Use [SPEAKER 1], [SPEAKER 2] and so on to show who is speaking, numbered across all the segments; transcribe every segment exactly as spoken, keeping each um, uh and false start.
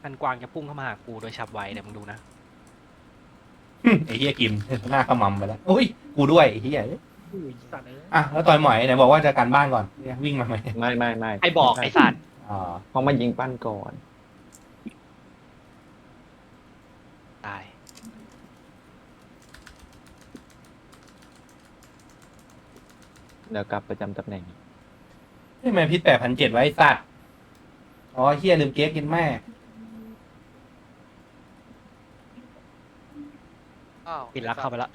[SPEAKER 1] พันกวางจะพุ่งเข้ามาหากูโดยฉับไวเดี๋ยวมึงดูนะ
[SPEAKER 2] ไอ้เหี้ยกิมหน้าขมำไปแล้วอุ้ยกูด้วยไอ้เหี้ย
[SPEAKER 3] อุ้ยสัตว์เลย
[SPEAKER 2] อ่ะแล้วต่อยหมอยไหนบอกว่าจะการบ้านก่อนเนี่ยวิ่งมาไหม
[SPEAKER 4] ไม่ไม่ไม่
[SPEAKER 1] ไอ้บอกไอ้สัตว์
[SPEAKER 2] อ๋อ
[SPEAKER 4] เขามายิงปั้นก่อน
[SPEAKER 1] ตาย
[SPEAKER 4] เดี๋ยวกลับประจำตำแหน่ง
[SPEAKER 2] ทำไมพิษแปดพันเจ็ดไว้สัตว์อ๋อเหี้ยลืมเก๊กกินแม่
[SPEAKER 5] อ้าว
[SPEAKER 1] ปิดรักเข้าไปละ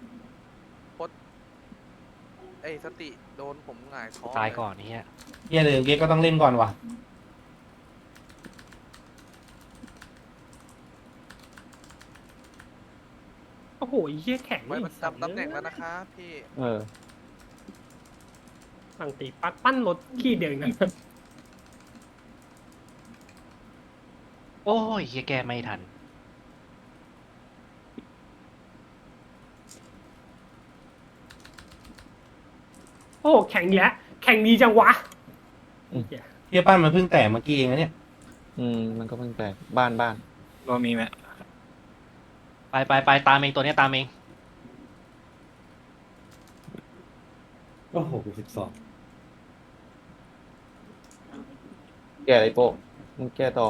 [SPEAKER 5] ไอ้สติโดนผมหงายท้อง
[SPEAKER 1] ตาย
[SPEAKER 5] เล
[SPEAKER 1] ก่อนนี่ฮะ
[SPEAKER 2] เหี้ยลืมเก๊กก็ต้องเล่นก่อนว่ะ
[SPEAKER 3] โอ้โหเหี้ยแข็ง
[SPEAKER 5] ไว้ประจำตำแหน่งแล้วนะครับพี่
[SPEAKER 4] เออ
[SPEAKER 3] สั่งตีปั้นปั้นรถขี้เดียวนะ
[SPEAKER 1] โอ้ยเฮียแกไม่ทัน
[SPEAKER 3] โอ้แข็งอีกแล้วแข็งดีจังวะ
[SPEAKER 4] อืม
[SPEAKER 3] เหี้ย
[SPEAKER 2] เหี้ยปั้นมันเพิ่งแตกเมื่อกี้เองนะเนี่ย
[SPEAKER 4] อืมมันก็เพิ่งแตกบ้านบ้าน
[SPEAKER 6] รวมมีไหม
[SPEAKER 1] ไปไปไปตามเองตัวเนี้ยตามเอง
[SPEAKER 6] โอ้โหสิบสอง
[SPEAKER 4] แก้อะไรโป้มึงแก้ต่อ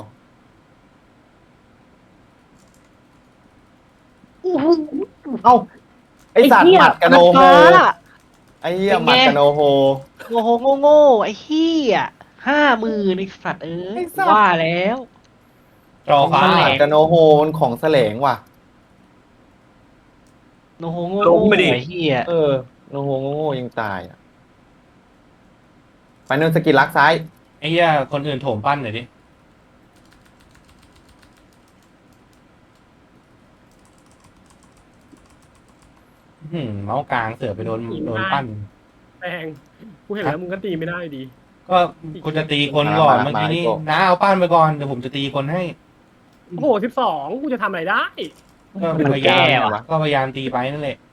[SPEAKER 4] เอ้าไอสัตว์หมัดกะโนโฮไอเหี้ยหมัดกะโนโฮ
[SPEAKER 1] โง่โหโง่โง่ไอ้เฮียห้าหมื่นไอ้สัตว์เอ้ย
[SPEAKER 4] ไอ้สัตว์
[SPEAKER 1] ว่าแล้ว
[SPEAKER 2] จอฟ้า
[SPEAKER 1] มันแหล
[SPEAKER 4] หมัดกะโนโฮมันของแสลงว่ะ
[SPEAKER 1] โนโหโง่โง่ไอ้เฮีย
[SPEAKER 4] เออโนโฮโง่ๆยังตายอ่ะไปโนนสกิลลักซ้าย
[SPEAKER 2] ไอ้เหี้ยคนอื่นโถมปั้นหน่อยดิอื้อหือเมาส์กลางเสือไปโดนโดนปั้น
[SPEAKER 3] แรงกูเห็นแล้วมึงก็ตีไม่ได้ดี
[SPEAKER 2] ก็กูจะตีคนก่อนเมื่อกี้นี้น้าเอาปั้นไปก่อนเดี๋ยวผมจะตีคนให้
[SPEAKER 3] โอ้โหสิบสองกูจะทำอะไรได้
[SPEAKER 2] ก็พยายามก็พยายามตีไปนั่นแหละ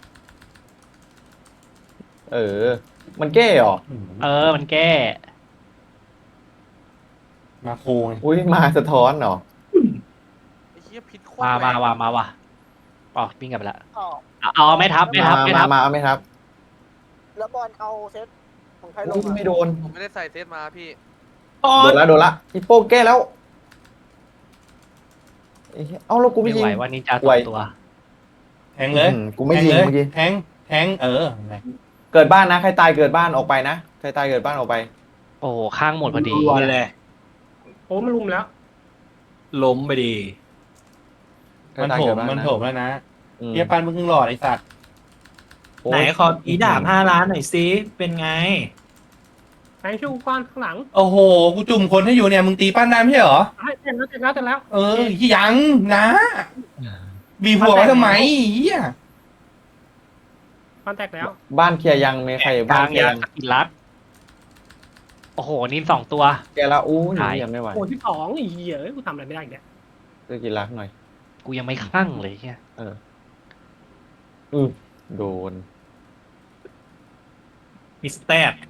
[SPEAKER 4] เออ มันแก้เหรอ
[SPEAKER 2] อื้อ
[SPEAKER 1] เออมันแก้
[SPEAKER 2] มาโคง
[SPEAKER 4] อุ้ยมาสะท้อนเหรอ
[SPEAKER 5] ไอ้เหี้ยพิษโคตร
[SPEAKER 1] มา
[SPEAKER 5] แร
[SPEAKER 1] มาง มามาว่ะอ๋อวิ่งกลับไปละ
[SPEAKER 7] อ๋อ
[SPEAKER 1] เอาเอาไม่ทับไม่ทับไม่
[SPEAKER 4] มา
[SPEAKER 1] ทับ
[SPEAKER 4] มาเอาไหมครับ
[SPEAKER 7] แล้วบอลเอาเซตของใครล
[SPEAKER 4] อุ้
[SPEAKER 7] ง
[SPEAKER 4] ย
[SPEAKER 7] อ่ะ
[SPEAKER 4] ไม่โดน
[SPEAKER 5] ผมไม่ได้ใส่เซตมาพี่
[SPEAKER 4] โดนละโดนละฮิปโป้แก้แล้วเอ้ยเอ้าแล้วกูไม่
[SPEAKER 1] ไม่
[SPEAKER 4] ยิง
[SPEAKER 1] ไหวว่านินจาส
[SPEAKER 4] ไหว
[SPEAKER 1] องตัว
[SPEAKER 2] แทงเลย
[SPEAKER 4] อืมกูไม่ยิง
[SPEAKER 2] แทเลย
[SPEAKER 4] เมื่อกี้
[SPEAKER 2] แทงแทงเอออะไร
[SPEAKER 4] เกิดบ้านนะใครตายเกิดบ้านออกไปนะใครตายเกิดบ้านออกไป
[SPEAKER 1] โอ้โหข้างหมดพอดี
[SPEAKER 6] รวนเลย
[SPEAKER 3] โอ้มันลุมแล้ว
[SPEAKER 6] ล้มไปดี
[SPEAKER 4] ใคร
[SPEAKER 2] มัน
[SPEAKER 4] ตาย
[SPEAKER 2] โถ
[SPEAKER 4] เกิ
[SPEAKER 2] ม
[SPEAKER 4] ดบ้าน
[SPEAKER 2] มัน
[SPEAKER 4] นะ
[SPEAKER 2] โถมแล้วนะ
[SPEAKER 4] อืม
[SPEAKER 2] เหี้ยปั้นมึงเพิ่งหลอดไอ้สัตว์
[SPEAKER 4] โอ้ย
[SPEAKER 6] ไหนขออีดาบห้าล้านหน่อยซิเป็นไง
[SPEAKER 3] แรงช่วยกูก้อนข้างหลัง
[SPEAKER 2] โอ้โหกูจุ่มคนให้อยู่เนี่ยมึงตีปั้นได้ไม่ใช่เหรอ
[SPEAKER 3] ให้เต็มแล้วเต็มแล้วเต็มแล้ว
[SPEAKER 2] เออยังนะบีบหัวไว้ทำไมเหี้ย
[SPEAKER 3] ปั้นแตกแล้ว
[SPEAKER 4] บ้านเคลียร์ยังมีใคร
[SPEAKER 1] ก
[SPEAKER 4] บ้า
[SPEAKER 1] ลาน ง
[SPEAKER 4] เคลีย
[SPEAKER 1] ยา
[SPEAKER 4] ร์ยัง
[SPEAKER 1] สกิลลัดโอ้โหนินสองตัว
[SPEAKER 4] แกแล้วอู้ย
[SPEAKER 1] ตาย
[SPEAKER 4] ยังไม่ไหว
[SPEAKER 3] โอ้สิบสองอีเหี้ยเอ้ยกูทำอะไรไม่ได้อีกเนี่ย
[SPEAKER 4] สกิลลักหน่อย
[SPEAKER 1] กูยังไม่คลั่งเลยเฮีย
[SPEAKER 4] อือโดน
[SPEAKER 6] มิสเตอร์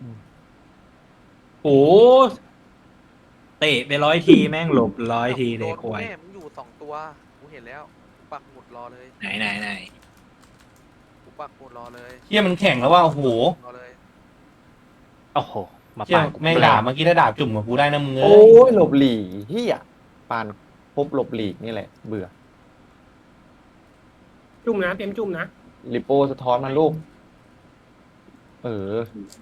[SPEAKER 6] โอ้เตะไปร้อยทีแม่งหลบร้อยทีเลย
[SPEAKER 5] โดน
[SPEAKER 6] ควาย
[SPEAKER 5] แม่มึงอยู่สองตัวกูเห็นแล้วกูปักหมุดรอเลย
[SPEAKER 6] ไหนไหนไหน
[SPEAKER 5] กูปักหมุดรอเลย
[SPEAKER 2] เหี้ยมันแข่งแล้วว่าโอ้โห
[SPEAKER 5] รอเลย
[SPEAKER 1] โอ้โหมา
[SPEAKER 2] เหี้ย
[SPEAKER 1] ปาดกู
[SPEAKER 2] แม่งด่าเมื่อกี้ถ้าด่าจุ่มกับกูได้นะมึงเอ้
[SPEAKER 4] โอ้
[SPEAKER 2] ย
[SPEAKER 4] ยหลบหลีกเฮียปานพบหลบหลีกนี่แหละ เบื่อ
[SPEAKER 3] จุ่มนะเต็มจุ่มนะ
[SPEAKER 4] ลิโป้สะท้อนมาลูก เออ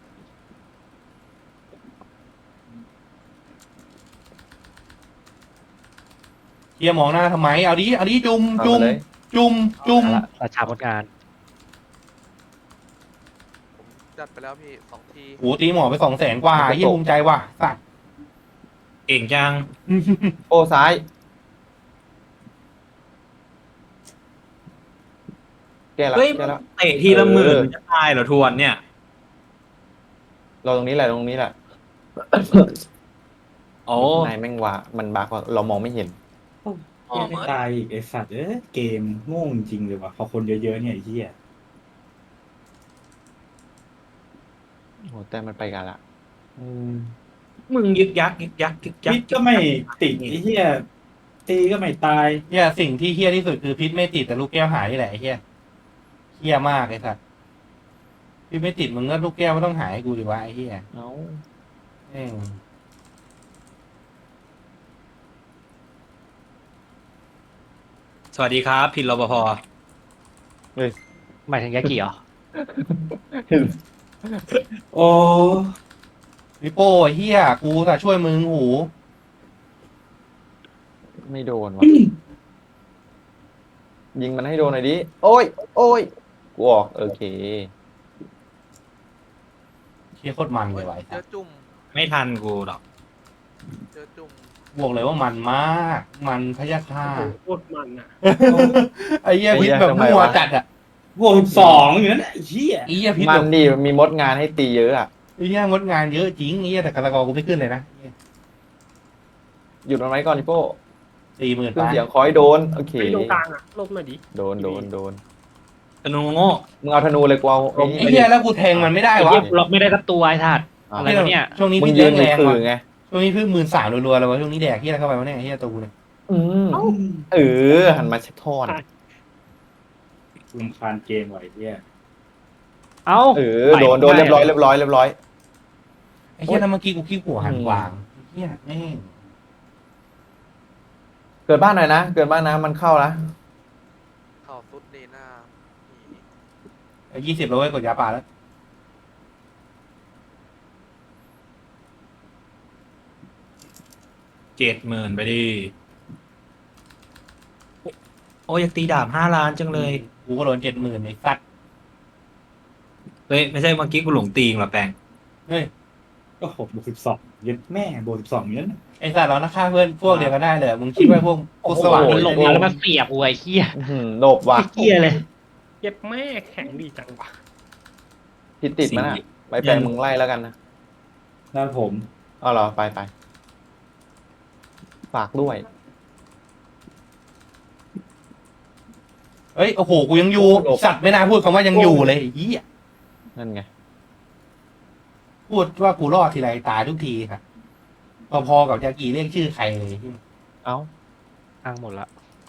[SPEAKER 2] เหี้ยมองหน้าทำไมเอาดิเอาดิจุ่มจุ่ม
[SPEAKER 4] เอามาเลย
[SPEAKER 2] จุ่มจุ่ม
[SPEAKER 1] เอาละราชาพจงาน
[SPEAKER 5] ผมจัดไปแล้วพี่สองที
[SPEAKER 2] โอ้ตีหมอไปสองแสนกว่าเหี้ยภูมิใจว่ะสัตว์
[SPEAKER 6] เก่งจัง
[SPEAKER 4] โป้ซ้าย แกแล้ว
[SPEAKER 6] เฮ้ย
[SPEAKER 4] แกแล้ว
[SPEAKER 6] เตะทีละหมื่น
[SPEAKER 4] เออ
[SPEAKER 6] จะตายเหรอทวนเนี่ย
[SPEAKER 4] เราตรงนี้แหละตรงนี้แหละ
[SPEAKER 6] โอ้
[SPEAKER 4] นายแม่งว่ามันบักว่าเรามองไม่เห็น
[SPEAKER 6] อ๋อ
[SPEAKER 8] เหี้ยไม่ตายอีกไอสัตว์เอ้ยเกมโง่จริงเลยว่ะพอคนเยอะๆเนี่ยไอ้เหี้ย
[SPEAKER 4] โอ้แต่มันไปกันละ
[SPEAKER 8] อืม
[SPEAKER 6] มึงยึกยักยึกยักยึกยัก
[SPEAKER 8] พิษก็ไม่ติดไอ้เหี้ยตีก็ไม่ตาย
[SPEAKER 2] เฮียสิ่งที่เฮียที่สุดคือพิษไม่ติดแต่ลูกแก้วหายนี่แหละไอ้เฮียเฮียมากไอ้สัสพิษไม่ติดมึงก็ลูกแก้วไม่ต้องหายให้กูดิวะไอ้เฮีย
[SPEAKER 4] เอ้า
[SPEAKER 2] แม่ง
[SPEAKER 6] สวัสดีครับพินรปภ
[SPEAKER 1] หมายถึงยากิเหรอ
[SPEAKER 8] โอ้
[SPEAKER 2] วิโป้ไอ้เฮียกูแต่ช่วยมึงหู
[SPEAKER 4] ไม่โดนวะยิงมันให้โดนหน่อยดิ โอ้ย โอ้ย กูออก โอเค
[SPEAKER 2] เฮียโคตรมันเลยว่ะไอ้
[SPEAKER 5] เจ
[SPEAKER 2] สั
[SPEAKER 5] อ
[SPEAKER 2] ส
[SPEAKER 5] จุ่ม
[SPEAKER 6] ไม่ทันกูหรอก
[SPEAKER 5] เจอจุ่ม
[SPEAKER 2] บอกเลยว่ามันมาก มันพยาค่า
[SPEAKER 3] โอ้โหโคตรมันอ่ะ
[SPEAKER 2] ไอ้เฮียพิษ
[SPEAKER 4] ไอ้เหี้ย
[SPEAKER 2] แบบ
[SPEAKER 4] ทำไม
[SPEAKER 2] มั่ว
[SPEAKER 4] วะ
[SPEAKER 2] จัดอ่ะ
[SPEAKER 8] บวกสองอยู่นั่นแหละไอ้เหี้ย
[SPEAKER 2] ไอ้เฮียพิษ
[SPEAKER 4] มั
[SPEAKER 2] แบ
[SPEAKER 4] น
[SPEAKER 2] บ
[SPEAKER 4] ดิมีมดงานให้ตีเยอะอ่ะ
[SPEAKER 2] ไอ้เฮียงดงานเยอะจริงไอ้เฮียแต่กระตะกอกูไม่ขึ้นเลยนะ
[SPEAKER 4] หยุดมันไว้ก่อนดิโป้
[SPEAKER 2] สี่หมื่น
[SPEAKER 4] ขึ้น
[SPEAKER 2] ไป
[SPEAKER 4] เสียงคอยโดน โอเค
[SPEAKER 3] ไอ้ตรงกลางอ่ะลบหน่อยดิ
[SPEAKER 4] โดน โดน โดน
[SPEAKER 6] ธนูโง่
[SPEAKER 4] มึงเอาธนูเลยกูเอาไอ้นี่
[SPEAKER 2] ไอ้เฮียแล้วกูแทงมันไม่ได้
[SPEAKER 1] ไอ้
[SPEAKER 2] วะ
[SPEAKER 1] เหี้ยล็อกไม่ได้สักตัวไอ้สัตว์
[SPEAKER 4] อ่ะ
[SPEAKER 1] อะไรวะเนี่ย
[SPEAKER 2] ช่วงนี้
[SPEAKER 4] มึง
[SPEAKER 2] พี่
[SPEAKER 4] ยื
[SPEAKER 2] เลี้ย
[SPEAKER 4] น
[SPEAKER 2] ง
[SPEAKER 4] ใน
[SPEAKER 2] แรง
[SPEAKER 4] คือ
[SPEAKER 2] ว่ะ
[SPEAKER 4] ไง
[SPEAKER 2] ช่วงนี้เพิ่งหมื่นสามรัวๆเลยวะช่วงนี้แดกเฮียอะไรเข้าไปวะเนี่ยไอ้เฮียตัวกูเนี่ย
[SPEAKER 4] อืมเออ หันมาเช็คทอน
[SPEAKER 8] รำคาญเกมไหวะไอ้เหี้ย
[SPEAKER 1] เอ้า
[SPEAKER 4] เออ โดน โดนเรียบร้อย เรียบร้อย เรียบร้อย
[SPEAKER 2] ไอ้เฮียแล้วเมื่อกี้กูขี้หัวหันกวางไอ้เฮียแม่ง
[SPEAKER 4] เกิดบ้านหน่อยนะ เกิดบ้านนะมันเข้านะ
[SPEAKER 5] เข่าซุดเนหน้านี่
[SPEAKER 2] ยี่สิบแล้วเว้ยกดยาปลาแล้ว
[SPEAKER 6] เจ็ดหมื่นไปดิโอ้ยอยากตีดาบห้าล้านจังเลย
[SPEAKER 2] กูก็โดนเจ็ดหมื่นไอ้สัตว์
[SPEAKER 6] เฮ้ยไม่ใช่เมื่อกี้กูหลงตีงหรอแปง
[SPEAKER 2] เฮ้ย
[SPEAKER 8] ก็หกบวกสิบสองยันแม่บวกสิบสองอยู่นั่นน่ะ
[SPEAKER 2] ไอ้สัตว์เรานะฆ่าเพื่อนพวกเดียวกันได้เลยมึงคิดว่าพวกพวกสว่าง
[SPEAKER 1] มันหลง
[SPEAKER 2] ไอ้
[SPEAKER 1] มา
[SPEAKER 2] เหี้ย
[SPEAKER 1] แล้วมันเสียบกูไอ้เหี้ย
[SPEAKER 4] อื้อหือหลบว่ะ
[SPEAKER 1] ไอ้เหี้ยเลย
[SPEAKER 3] เย็บแม่แข็งดีจังวะ
[SPEAKER 4] พิดติดมันอ่ะไปแปลงมึงไล่แล้วกันนะ
[SPEAKER 8] ด้านผม
[SPEAKER 4] เอาเหรอ ไปไปฝากด้วย
[SPEAKER 2] เฮ้ยโอ้โหกูยังอยู่สัตว์ไม่น่าพูดคำว่ายังอยู่เลยไอ้เหี้ย
[SPEAKER 4] นั่นไง
[SPEAKER 2] พูดว่ากูรอดทีไรตายทุกทีครับพอๆกับจากีเรียกชื่อใครเลย
[SPEAKER 4] เอ้า
[SPEAKER 1] อ้างหมดละ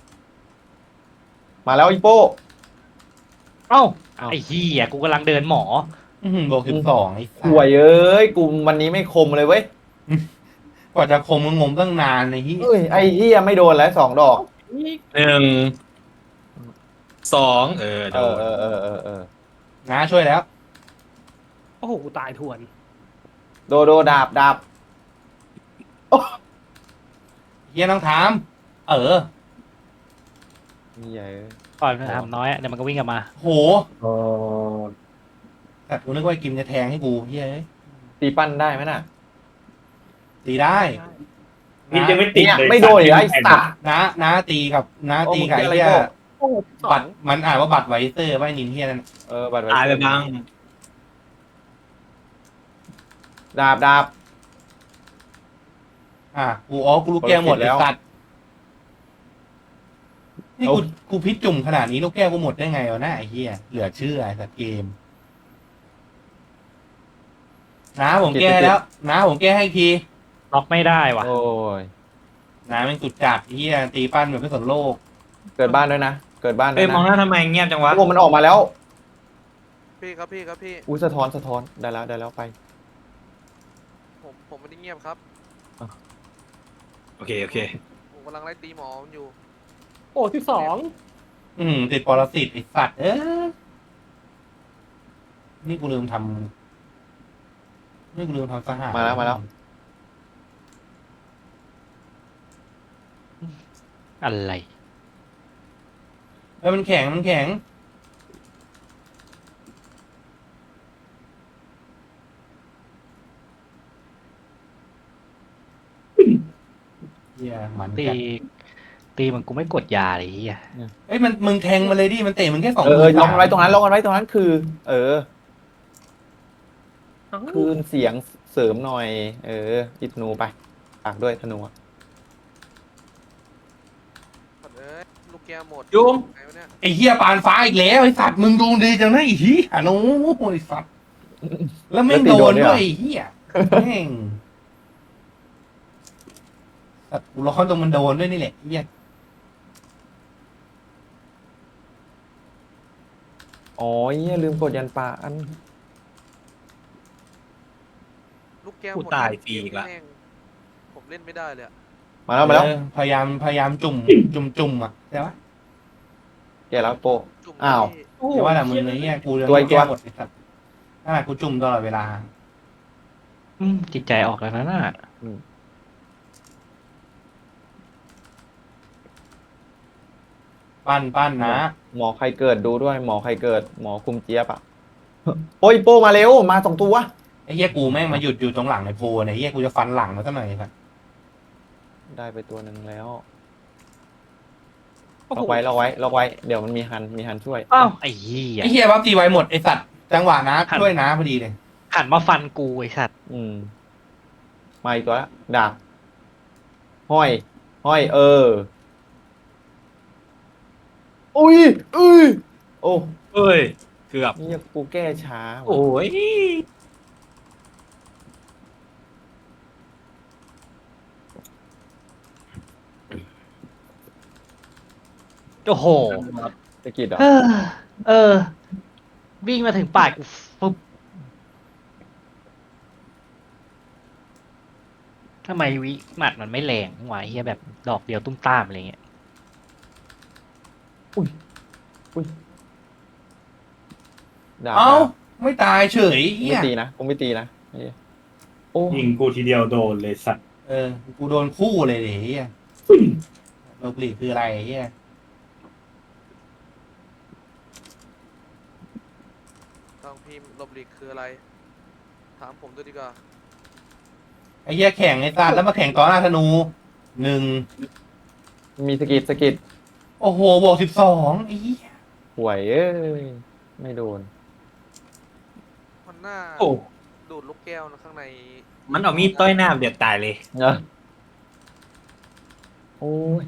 [SPEAKER 4] มาแล้วอีโป้
[SPEAKER 1] เอ้า
[SPEAKER 4] เอ้า
[SPEAKER 1] ไอ้เหี้ยกูกำลังเดินหมอ
[SPEAKER 2] อื้อหือบอกสิบสองไอ้สัต
[SPEAKER 4] ห่วย
[SPEAKER 2] ว์
[SPEAKER 4] เอ้ย กูวันนี้ไม่คมเลยเว้ย
[SPEAKER 2] กว่าจะคมมึงงมตั้งนานไอ้เหี้ย
[SPEAKER 4] เอ้ย ไอ้เฮียไม่โดนแล้วสองดอก
[SPEAKER 3] นี่
[SPEAKER 6] หนึ่งสองเออโด
[SPEAKER 4] เออน เออเออเออเออ
[SPEAKER 2] น้าช่วยแล้ว
[SPEAKER 3] โอ้โหกูตายทวน
[SPEAKER 4] โดโดดาบดาบ
[SPEAKER 2] เฮียต้องถาม เออ
[SPEAKER 4] เฮียเอ้ย
[SPEAKER 1] ก่อนมันทำน้อยอะเดี๋ยวมันก็วิ่งกลับมา
[SPEAKER 2] โห
[SPEAKER 8] โอ้
[SPEAKER 2] แต่กูนึกว่าไอ้กิมจะแทงให้กูเฮียเอ้ย
[SPEAKER 4] ตีปั้นได้ไหมน่ะ
[SPEAKER 2] ตีได้
[SPEAKER 8] นี่ยังไม่ติด
[SPEAKER 4] เนี่ย
[SPEAKER 8] เลย
[SPEAKER 4] ไม่โดนอีกแล้วไอ้สัตว์
[SPEAKER 2] น้าน้าตีกับน้าตีกับไอ้
[SPEAKER 4] โอ้มึง
[SPEAKER 2] เฮีย
[SPEAKER 4] เจออะไร
[SPEAKER 3] โอ้โหสอ
[SPEAKER 2] บั
[SPEAKER 3] ง
[SPEAKER 2] ตรมันอ่านว่าบัตรไวเซอร์ว่าไอ้นินเฮียนั่น
[SPEAKER 4] เออบัตร
[SPEAKER 6] ตายไปบ้าง
[SPEAKER 4] ดาบดาบ
[SPEAKER 2] อ่ะกูอ๋อกูลูกแก้วหมด
[SPEAKER 4] แล้
[SPEAKER 2] แล้ว
[SPEAKER 4] ว
[SPEAKER 2] สัตว์นี่กูกูพิษจุ่มขนาดนี้ลูกแก้วกูหมดได้ไงวะหน้าไอ้เฮียเหลือเชื่อไอ้สัตว์เกมน้าผมแก้แล้วน้าผมแก้ให้อีกที
[SPEAKER 1] ล็อกไม่ได้ว่ะ
[SPEAKER 4] โอ้ย
[SPEAKER 2] น้าแม่งสุดจัดไอ้เฮียตีปั้นแบบไม่สนโลก
[SPEAKER 4] เกิดบ้านด้วยนะ เกิดบ้านด้
[SPEAKER 6] เอ้
[SPEAKER 4] วย ย
[SPEAKER 6] มองห
[SPEAKER 4] นะ
[SPEAKER 6] น้าทำไมเงียบจังวะ
[SPEAKER 4] โอ้มันออกมาแล้ว
[SPEAKER 5] พี่ครับพี่ครับพี่
[SPEAKER 4] อุ้ยสะท้อนสะท้อนได้แล้วได้แล้วไป
[SPEAKER 5] ผมผมไม่ได้เงียบครับ
[SPEAKER 6] โอเคโอเค
[SPEAKER 5] ผมกำลังไล่ตีหมอมันอยู่
[SPEAKER 3] โอ้ที่สอง
[SPEAKER 2] อืมติดปรสิตไอ้สัตว์เออนี่กูลืมทำนี่กูลืมทำสหาร
[SPEAKER 4] มาแล้วมาแล้ว
[SPEAKER 1] อะไร
[SPEAKER 2] เอ้ยมันแข็งมันแข็งเฮียมัน
[SPEAKER 1] ตี
[SPEAKER 2] จัด
[SPEAKER 1] ตีมันกูไม่กดยาเลยไอ้เหี้ย
[SPEAKER 2] เอ้ยมันมึงแทงมาเลยดิมันเตะมึงแค่สอง
[SPEAKER 4] เออเออ
[SPEAKER 2] มื
[SPEAKER 4] ล็อกมันไว้ตรงนั้นล็อกมันไว้ตรงนั้นคือ เออ
[SPEAKER 3] เอ้า
[SPEAKER 4] คืนเสียงเสริมหน่อย เอออิดนูไปฝากด้วยธนูอะ
[SPEAKER 5] ปัดเอ้ยลูกแก้วหมด
[SPEAKER 6] ยุง
[SPEAKER 5] ไงวะเนี่ย
[SPEAKER 2] ไอ้เฮียปานฟ้าอีกแล้วไอ้สัตว์มึงดูดีจังนะไอ้เฮียโน้ไอ้สัตว์แล้วไม่งโดนด้วยไอ้เฮียแม่งสัตว์กูร้อนตรงมันโดนด้วยนี่แหละเฮีย
[SPEAKER 4] อ๋อเหี้ยลืมกดยันปลาอัน
[SPEAKER 5] ลูกแก้ว
[SPEAKER 6] กู
[SPEAKER 5] หมด
[SPEAKER 6] ตาย
[SPEAKER 5] แล้ว
[SPEAKER 6] ฟรีอีกละ
[SPEAKER 5] แม่งผมเล่นไม่ได้เลยอะ
[SPEAKER 4] มาแล้วมาแล้ว
[SPEAKER 2] เออพยายามพยายามจุ่ม จุ่มจุ่มอ่ะใช่ปะ
[SPEAKER 4] แกแล้วโปะ
[SPEAKER 5] จุ่ม
[SPEAKER 4] อ้าว
[SPEAKER 5] ที่
[SPEAKER 3] โอ้โห
[SPEAKER 2] แต่ว่าแต่มึงไอ้เหี้ยกูเรื่อง
[SPEAKER 4] ตัวอีก
[SPEAKER 2] แก้
[SPEAKER 4] ตัว
[SPEAKER 2] หมดไอ้สัตว์ขนาดกูจุ่มตลอดเวลา
[SPEAKER 1] อืมจิตใจออกแล้วนะน่ะ
[SPEAKER 2] ปั้นปั้นนะ
[SPEAKER 4] หมอใครเกิดดูด้วย หมอใครเกิด หมอคุมเจี๊ยบอ่ะโอ้ยโป้มาเร็วมาสองตัว
[SPEAKER 2] ไอ้เหี้ยกูแม่งมาหยุดอยู่ตรงหลังไอ้โพเนี่ยไอ้เหี้ยกูจะฟันหลังมันซะหน่อยไอ้สัตว์
[SPEAKER 4] ได้ไปตัวหนึ่งแล้ว
[SPEAKER 3] โอ้โห
[SPEAKER 4] ล็อกไว้ล็อกไว้ล็อกไว้เดี๋ยวมันมีฮันมีฮันช่วย
[SPEAKER 1] อ้าวไอ้เหี้ย
[SPEAKER 2] ไอ้เหี้ยบัฟตีไว้หมดไอ้สัตว์จังหวะนะช่วยนะพอดีเลย
[SPEAKER 1] หันมาฟันกูไอ้สัตว์
[SPEAKER 4] อืมมาอีกตัวละดาบห้อย ห้อย เออ อุ้ยอุ้ยโอ้
[SPEAKER 6] เอ้ย เกือบ
[SPEAKER 4] นี่กูแก้ช้าว่ะ
[SPEAKER 6] โอ้ย
[SPEAKER 1] โอ้โห
[SPEAKER 4] ตะกิดเหรอ
[SPEAKER 1] เออ เออ วิ่งมาถึงปากกูปุ๊บทำไมวิหมัดมันไม่แรงวะเฮียแบบดอกเดียวตุ้มตามอะไรเงี้ย
[SPEAKER 4] ดาบ
[SPEAKER 2] เอ้า
[SPEAKER 4] ดาบ
[SPEAKER 2] ไม่ตายเฉยเหี้
[SPEAKER 4] ไม่
[SPEAKER 2] ย
[SPEAKER 4] ตีนะกูไม่ตีนะเหี้ยโอ้
[SPEAKER 8] ยิงกูทีเดียวโดนเลยสัตว์
[SPEAKER 2] เออกูโดนคู่เลยดิเหี้ยโลบลีคืออะไรเหี้ย
[SPEAKER 5] ต้องพิมพ์ลบหลีกคืออะไร ถามผมด้วยดีกว่า
[SPEAKER 2] ไอ้เหี้ยแข่งไอ้สัตว์แล้วมาแข่งต่อหน้าธนูหนึ่ง
[SPEAKER 4] มีสกิดสกิด
[SPEAKER 2] โอ้โหบวกสิบสองไอ้เหี้ย
[SPEAKER 4] ห่วยเอ้ยไม่โดน
[SPEAKER 5] มันหน้า
[SPEAKER 6] โอ้
[SPEAKER 5] ดูดลูกแก้วนะข้างใน
[SPEAKER 6] มันเอามีดต้อยหน้าเดือดตายเลย
[SPEAKER 4] เนอะโอ้ย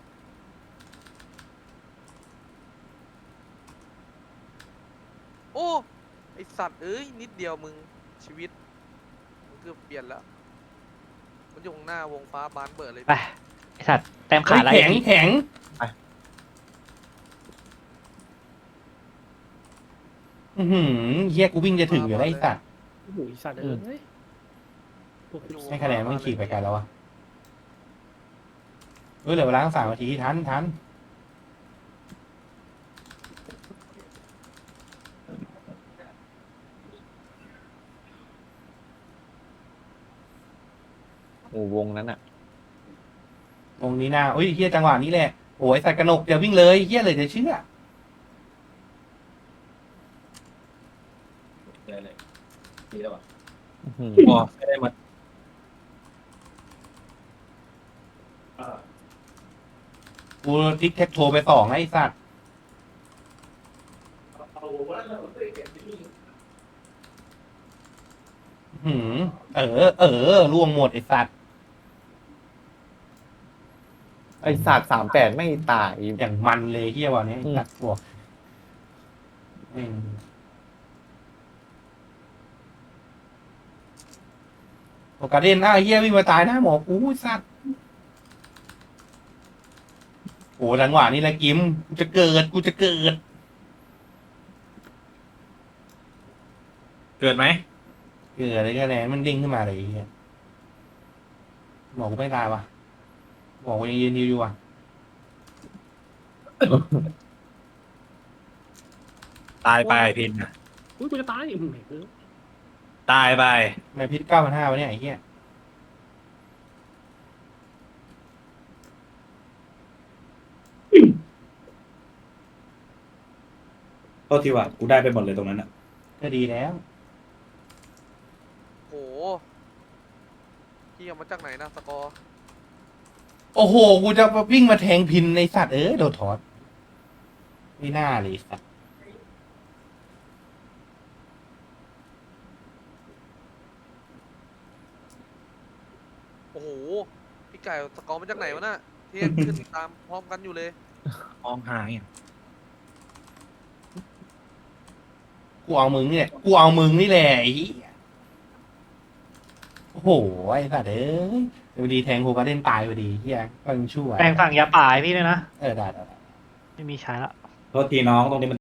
[SPEAKER 5] โอ้ไอสัตว์เอ้ยนิดเดียวมึงชีวิตมึงเกือบเปลี่ยนแล้วมันอยู่ข้างหน้าวงฟ้าบานเบิดเลย
[SPEAKER 1] ไปไอ้สัตว์แต้มขา
[SPEAKER 2] เฮ้ย
[SPEAKER 1] ดอะไร
[SPEAKER 2] แข็งแข็งอือหือเหี้ยกูวิ่งจะถึงอยู่แล้วไอ้สัตว์
[SPEAKER 3] โอ้โหไอ้สัตว์เอ้ยพวก
[SPEAKER 2] ให้คะแนนมันขี่ไปไกันแล้ววะเฮ้ยเหลือเวลาตั้งสามนาทีทันทัน
[SPEAKER 4] หมู่วงนั้นอ่ะ
[SPEAKER 2] วงนี้หน้าอุ้ยเฮียจังหวะนี้แหละโอ้ยสัตว์กระหนกเดี๋ยววิ่งเลยเฮียเลยจะเชื่อ
[SPEAKER 6] ได้เลยดีแล้วป่ะ
[SPEAKER 4] อื้อหือ
[SPEAKER 6] พอไม่ได้หมด
[SPEAKER 2] กูติ๊กแท็กโทรไปสองไอ้สัตว์หืมเออ เออล่วงหมดไอ้สัตว์
[SPEAKER 4] ไอศาสตร์สามแปดไม่ตาย
[SPEAKER 2] อย่างมันเลยเฮียวันนี้ไอ้สัตว์บวกแม่งโอกาสเด่นอ้าวเฮียวิ่งมาตายหน้าหมอกูสัตว์โอ้จังหวะนี้แหละกิมกูจะเกิดกูจะเกิด
[SPEAKER 6] เกิดไหม
[SPEAKER 2] เกิดอะไรก็แล้วมันดิ้งขึ้นมาเลยไอ้เฮียหมอกูไม่ตายวะหมอกูยังยืนอยู่ว่ะ
[SPEAKER 6] ตายไปพินน่ะ
[SPEAKER 3] อุ้ยกูจะตายอืมเออ
[SPEAKER 6] ตายไป
[SPEAKER 2] ทำไมพิษเก้าพันห้าวะเนี่ยไอ้เหี้ย
[SPEAKER 8] ก็ทีว่ากูได้ไปหมดเลยตรงนั้นอ่ะ
[SPEAKER 2] ก็ดีแล้ว
[SPEAKER 5] โหพี่เอามาจากไหนนะสกอร์
[SPEAKER 2] โอ้โห กูจะวิ่งมาแทงพินในสัตว์เออโดนถอดไม่น่าเลยสัตว์
[SPEAKER 5] โอ้โหพี่ไก่สกอร์มาจากไหนวะน่ะเที่ยงขึ้นตามพร้อมกันอยู่เลย
[SPEAKER 6] มองหายอ่ะ
[SPEAKER 2] กูเอามึงนี่แหละกูเอามึงนี่แหละไอ้เหี้ยโอ้โหไอ้สัตว์เอ้ยเดี๋ยวดีแทงโฮการ์เด้นตายพอดีเฮียก็ยังชั่ว
[SPEAKER 1] แปลงฝั่งยาป่าให้พี่ด้วยนะ
[SPEAKER 2] เออได้ได้ได้
[SPEAKER 1] ไม่มีใช้ละ
[SPEAKER 8] โทษทีน้องตรงนี้มัน